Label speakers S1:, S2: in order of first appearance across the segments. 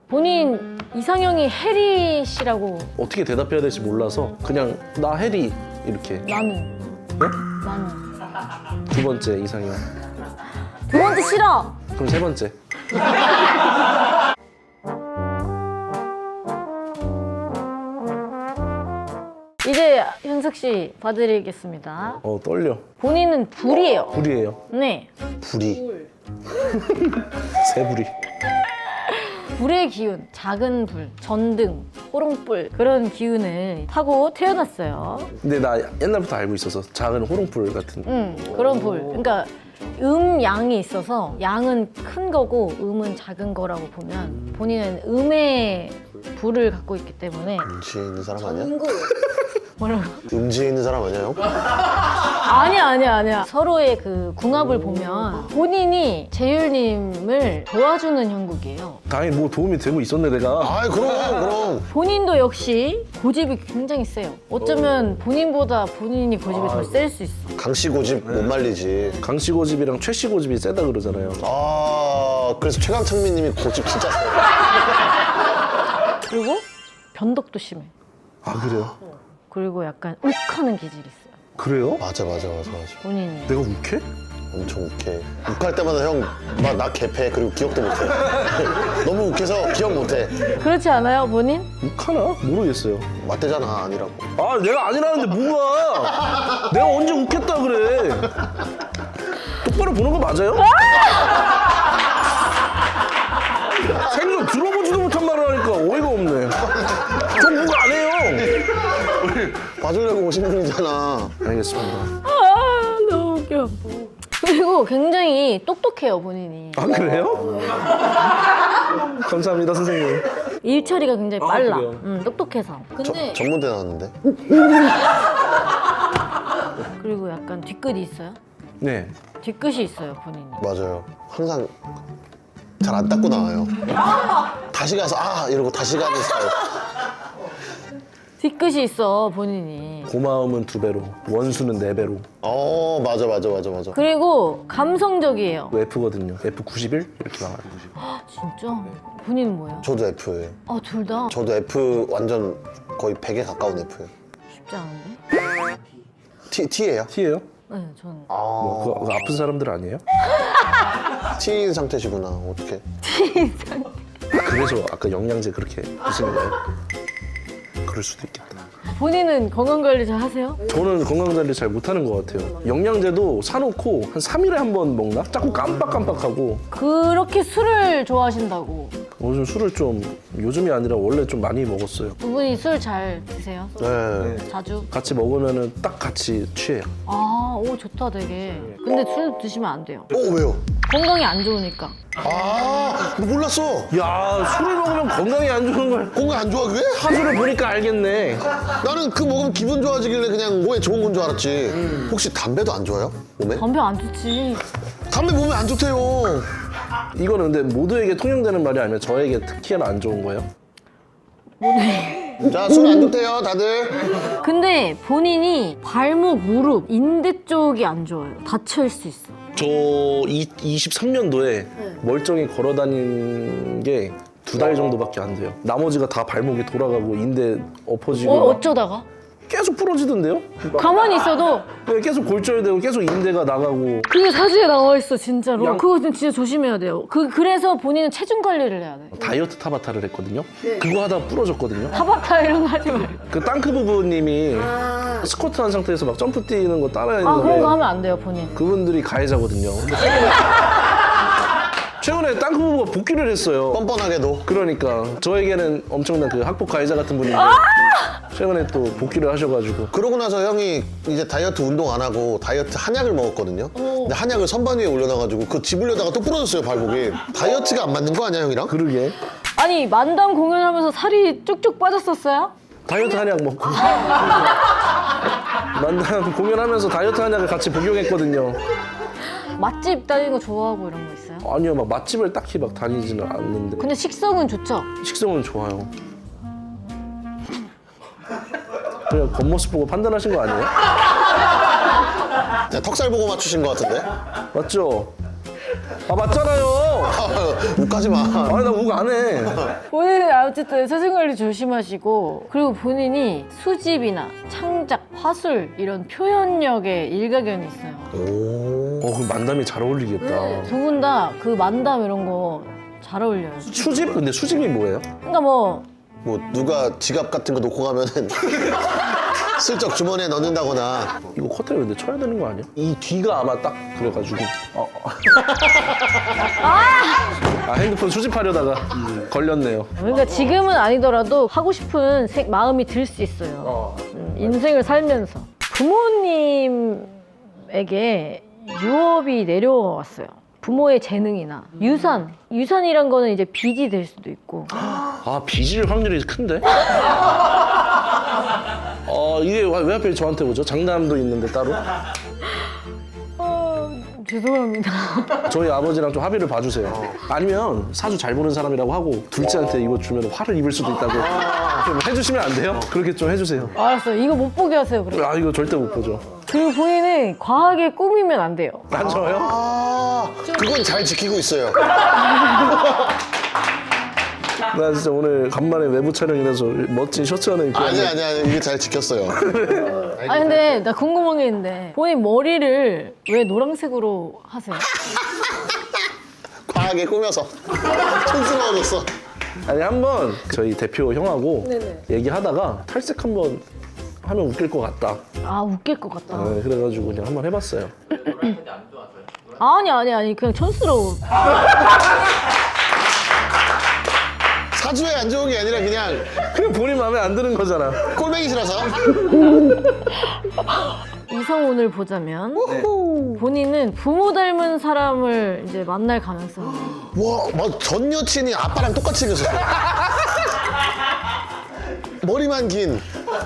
S1: 본인 이상형이 해리 씨라고.
S2: 어떻게 대답해야 될지 몰라서 그냥 나 해리 이렇게.
S1: 나는.
S2: 네?
S1: 나는.
S2: 두 번째 이상형.
S1: 두 번째 싫어.
S2: 그럼 세 번째.
S1: 이제 현석 씨 봐드리겠습니다.
S2: 떨려.
S1: 본인은 불이에요.
S2: 불이에요.
S1: 네.
S3: 불이.
S2: 새불이.
S1: 불의 기운, 작은 불, 전등, 호롱불 그런 기운을 타고 태어났어요.
S2: 근데 나 옛날부터 알고 있어서 작은 호롱불 같은.
S1: 그런 불. 그러니까 양이 있어서 양은 큰 거고 음은 작은 거라고 보면 본인은 음의 불을 갖고 있기 때문에.
S3: 음지에 있는 사람 아니야?
S1: 뭐라고?
S3: 음지에 있는 사람 아니야, 형?
S1: 아니야. 서로의 그 궁합을 보면 본인이 재율님을 도와주는 형국이에요.
S2: 다행히 뭐 도움이 되고 있었네 내가.
S3: 아이, 그럼.
S1: 본인도 역시 고집이 굉장히 세요. 어쩌면 본인보다 본인이 고집이 더 셀 수 있어.
S3: 강씨 고집 못 말리지.
S2: 강씨 고집이랑 최씨 고집이 세다 그러잖아요.
S3: 그래서 최강창민님이 고집 진짜 세.
S1: 그리고 변덕도 심해.
S2: 아 그래요?
S1: 그리고 약간 욱하는 기질이 있어요.
S2: 그래요?
S3: 맞아.
S1: 본인이.
S2: 내가 욱해?
S3: 엄청 욱해. 욱할 때마다 형, 나 개패. 그리고 기억도 못해. 너무 욱해서 기억 못해.
S1: 그렇지 않아요, 본인?
S2: 욱하나? 모르겠어요.
S3: 맞대잖아, 아니라고.
S2: 아 내가 아니라는데 뭐가? 내가 언제 욱했다 그래? 똑바로 보는 거 맞아요? 생전 들어보지도 못한 말을 하니까 어이가 없네. 저 뭐가 안 해요.
S3: 봐주려고 오신 분이잖아.
S2: 알겠습니다.
S1: 아, 너무 웃겨. 그리고 굉장히 똑똑해요, 본인이.
S2: 아 그래요? 감사합니다 선생님.
S1: 일 처리가 굉장히 빨라.
S2: 그래요?
S1: 똑똑해서. 근데
S3: 전문대 나왔는데?
S1: 그리고 약간 뒤끝이 있어요?
S2: 네.
S1: 뒤끝이 있어요, 본인이.
S3: 맞아요. 항상 잘 안 닦고 나와요. 다시 가서 이러고 다시 가는 스타일.
S1: 뒤끝이 있어, 본인이.
S2: 고마움은 2배로, 원수는 4배로.
S3: 맞아.
S1: 그리고 감성적이에요.
S2: F거든요. F91 이렇게 나와요.
S1: 진짜? 본인은 뭐예요?
S3: 저도 F예요.
S1: 둘 다?
S3: 저도 F 완전 거의 100에 가까운 F예요.
S1: 쉽지 않은데?
S3: T예요?
S2: T예요?
S1: 네, 저는.
S2: 뭐, 그거 아픈 사람들 아니에요?
S3: T인 상태시구나. 어떡해.
S2: 그래서 아까 영양제 그렇게 드시는 거예요? 그럴 수도 있겠다.
S1: 본인은 건강관리 잘 하세요?
S2: 저는 건강관리 잘 못하는 것 같아요. 영양제도 사놓고 한 3일에 한 번 먹나? 자꾸 깜빡깜빡하고.
S1: 그렇게 술을 좋아하신다고.
S2: 요즘 술을 좀 요즘이 아니라 원래 좀 많이 먹었어요.
S1: 두 분이 술 잘 드세요?
S3: 네.
S1: 자주?
S2: 같이 먹으면은 딱 같이 취해요.
S1: 오, 좋다, 되게. 근데 술 드시면 안 돼요.
S3: 왜요?
S1: 건강이 안 좋으니까.
S3: 몰랐어.
S2: 야 술을 먹으면 건강에 안 좋은 걸
S3: 건강 안 좋아, 그게?
S2: 하수를 보니까 알겠네.
S3: 나는 그 먹으면 기분 좋아지길래 그냥 몸에 좋은 건 줄 알았지. 혹시 담배도 안 좋아요? 몸에?
S1: 담배 안 좋지.
S3: 담배 몸에 안 좋대요.
S2: 이거는 근데 모두에게 통용되는 말이 아니면 저에게 특히나 안 좋은 거예요?
S3: 자, 술 안 좋대요, 다들.
S1: 근데 본인이 발목, 무릎, 인대 쪽이 안 좋아요. 다칠 수 있어.
S2: 저 23년도에 멀쩡히 걸어 다닌 게 2달 정도밖에 안 돼요. 나머지가 다 발목이 돌아가고 인대 엎어지고
S1: 어쩌다가?
S2: 계속 부러지던데요?
S1: 가만히 있어도
S2: 계속 골절되고 계속 인대가 나가고.
S1: 그게 사진에 나와 있어, 진짜로.
S2: 양-
S1: 그거 진짜 조심해야 돼요. 그래서 본인은 체중 관리를 해야 돼.
S2: 다이어트 타바타를 했거든요. 그거 하다가 부러졌거든요.
S1: 타바타 이런 거 하지 말고.
S2: 그 땅크 부부님이 스쿼트 한 상태에서 막 점프 뛰는 거 따라
S1: 그런 거
S2: 했는데
S1: 하면 안 돼요, 본인.
S2: 그분들이 가해자거든요. 근데 최근에 땅크 부부가 복귀를 했어요.
S3: 뻔뻔하게도.
S2: 그러니까 저에게는 엄청난 그 학폭 가해자 같은 분인데 최근에 또 복귀를 하셔가지고.
S3: 그러고 나서 형이 이제 다이어트 운동 안 하고 다이어트 한약을 먹었거든요. 근데 한약을 선반 위에 올려놔가지고 그 집으려다가 또 부러졌어요, 발목이. 다이어트가 안 맞는 거 아니야, 형이랑?
S2: 그러게
S1: 아니, 만담 공연하면서 살이 쭉쭉 빠졌었어요?
S2: 다이어트 한약 먹고 만남 공연하면서 다이어트 한약을 같이 복용했거든요.
S1: 맛집 다니는 거 좋아하고 이런 거 있어요?
S2: 아니요, 막 맛집을 딱히 막 다니지는 않는데
S1: 근데 식성은 좋죠?
S2: 식성은 좋아요. 그냥 겉모습 보고 판단하신 거 아니에요?
S3: 자, 턱살 보고 맞추신 것 같은데?
S2: 맞죠? 아 맞잖아요.
S3: 욱하지 마.
S2: 아니 나 욱 안 해.
S1: 본인은 어쨌든 사생관리 조심하시고 그리고 본인이 수집이나 창작, 화술 이런 표현력에 일가견이 있어요.
S3: 오.
S2: 그럼 만담이 잘 어울리겠다.
S1: 두 분 다 그 만담 이런 거 잘 어울려요.
S2: 수집? 근데 수집이 뭐예요?
S1: 그러니까 뭐
S3: 뭐 누가 지갑 같은 거 놓고 가면은 슬쩍 주머니에 넣는다거나.
S2: 이거 커튼을 근데 쳐야 되는 거 아니야? 이 뒤가 아마 딱 그래가지고 핸드폰 수집하려다가 걸렸네요.
S1: 그러니까 지금은 아니더라도 하고 싶은 마음이 들 수 있어요. 인생을 살면서 부모님에게 유업이 내려왔어요. 부모의 재능이나 유산이란 거는 이제 빚이 될 수도 있고.
S2: 아 빚일 확률이 큰데? 이게 왜 하필 저한테 오죠? 장남도 있는데 따로?
S1: 죄송합니다.
S2: 저희 아버지랑 좀 합의를 봐주세요. 아니면 사주 잘 보는 사람이라고 하고 둘째한테 이거 주면 화를 입을 수도 있다고 좀 해주시면 안 돼요? 그렇게 좀 해주세요.
S1: 알았어요. 이거 못 보게 하세요. 그럼.
S2: 아 이거 절대 못 보죠.
S1: 그리고 본인은 과하게 꾸미면 안 돼요.
S2: 안 좋아요?
S3: 아, 그건 잘 지키고 있어요.
S2: 나 진짜 오늘 간만에 외부 촬영이라서 멋진 셔츠 하나 입고
S3: 아니
S2: 왔는데
S3: 이게 잘 지켰어요.
S1: 아 근데 나 궁금한 게 있는데 본인 머리를 왜 노란색으로 하세요?
S3: 과하게 꾸며서 촌스러워졌어.
S2: 아니 한번 저희 대표 형하고
S1: 네네.
S2: 얘기하다가 탈색 한번 하면 웃길 것 같다.
S1: 아 웃길 것 같다.
S2: 네, 그래가지고 그냥 한번 해봤어요.
S1: 아니 그냥 촌스러워.
S3: 사주에 안 좋은 게 아니라
S2: 그냥 본인 마음에 안 드는 거잖아.
S3: 꼴뱅이 싫어서.
S1: 이성운을 보자면 본인은 부모 닮은 사람을 이제 만날 가능성이
S3: 와, 막 전 여친이 아빠랑 똑같이 생겼어. 머리만 긴.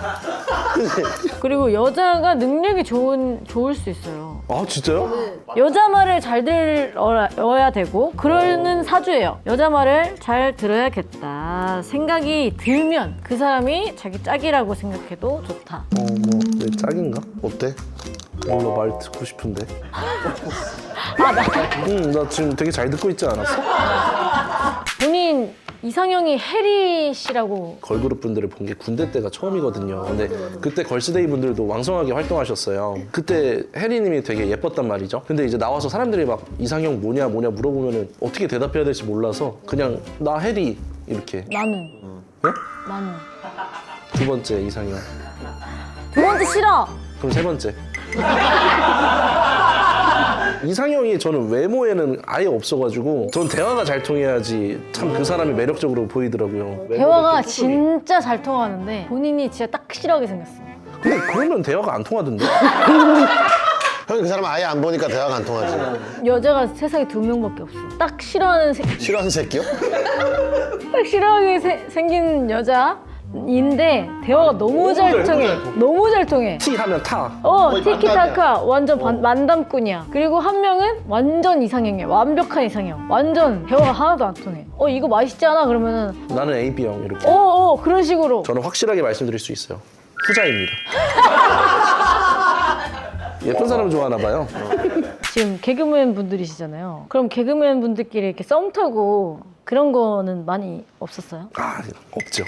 S1: 그리고 여자가 능력이 좋을 수 있어요.
S2: 아 진짜요?
S1: 여자 말을 잘 들어야 되고 그러는 사주예요. 여자 말을 잘 들어야겠다 생각이 들면 그 사람이 자기 짝이라고 생각해도 좋다.
S2: 내 짝인가?
S3: 어때?
S2: 몰라 말 듣고 싶은데.
S1: 나
S2: 나 지금 되게 잘 듣고 있지 않았어?
S1: 본인 이상형이 해리 씨라고.
S2: 걸그룹 분들을 본 게 군대 때가 처음이거든요. 근데 그때 걸스데이 분들도 왕성하게 활동하셨어요. 그때 혜리님이 되게 예뻤단 말이죠. 근데 이제 나와서 사람들이 막 이상형 뭐냐 물어보면은 어떻게 대답해야 될지 몰라서 그냥 나 혜리 이렇게.
S1: 나는
S2: 네?
S1: 나는
S2: 두 번째 이상형.
S1: 두 번째 싫어.
S2: 그럼 세 번째. 이상형이 저는 외모에는 아예 없어가지고 전 대화가 잘 통해야지 참 그 사람이 매력적으로 보이더라고요.
S1: 대화가 진짜 잘 통하는데 본인이 진짜 딱 싫어하게 생겼어.
S2: 근데 그러면 대화가 안 통하던데?
S3: 형이 그 사람 아예 안 보니까 대화가 안 통하지.
S1: 여자가 세상에 2명밖에 없어. 딱 싫어하는
S3: 싫어하는 새끼요?
S1: 딱 싫어하게 생긴 여자인데 대화가 너무 잘 통해. 너무 잘 통해.
S2: T 하면 타.
S1: 티키타카 완전 만담꾼이야. 그리고 한 명은 완전 이상형이야. 완벽한 이상형. 완전 대화가 하나도 안 통해. 이거 맛있지 않아? 그러면은
S2: 나는 AB형 이렇게.
S1: 그런 식으로.
S2: 저는 확실하게 말씀드릴 수 있어요. 후자입니다. 예쁜 사람 좋아하나 봐요.
S1: 지금 개그맨 분들이시잖아요. 그럼 개그맨 분들끼리 이렇게 썸 타고 그런 거는 많이 없었어요?
S2: 없죠.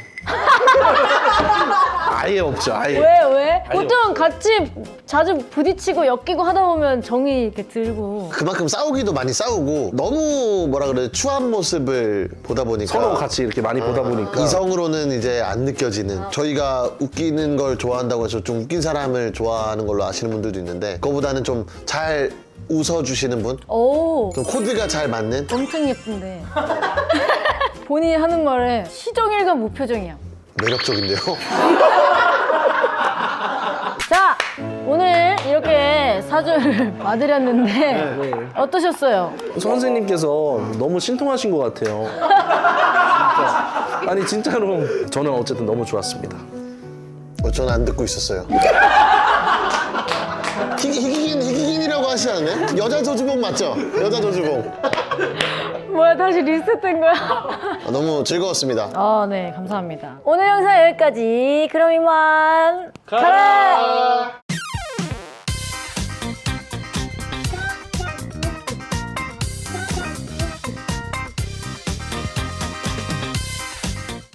S2: 아예 없죠. 아예.
S1: 왜? 보통 같이 자주 부딪히고 엮이고 하다 보면 정이 이렇게 들고.
S3: 그만큼 싸우기도 많이 싸우고 너무 뭐라 그래 추한 모습을 보다 보니까
S2: 서로 같이 이렇게 많이 보다 보니까
S3: 이성으로는 이제 안 느껴지는. 저희가 웃기는 걸 좋아한다고 해서 좀 웃긴 사람을 좋아하는 걸로 아시는 분들도 있는데 그거보다는 좀 잘 웃어주시는 분?
S1: 오,
S3: 좀 코드가 잘 맞는?
S1: 엄청 예쁜데. 본인이 하는 말에 시정일관 무표정이야.
S3: 매력적인데요?
S1: 자, 오늘 이렇게 사주를 봐드렸는데 어떠셨어요?
S2: 선생님께서 너무 신통하신 것 같아요. 아니 진짜로 저는 어쨌든 너무 좋았습니다.
S3: 저는 안 듣고 있었어요. 희귀긴이라고 하시지 않나요? 여자 조주봉 맞죠? 여자 조주봉.
S1: 뭐야, 다시 리셋된 거야?
S3: 너무 즐거웠습니다.
S1: 네, 감사합니다. 오늘 영상 여기까지. 그럼 이만 가라!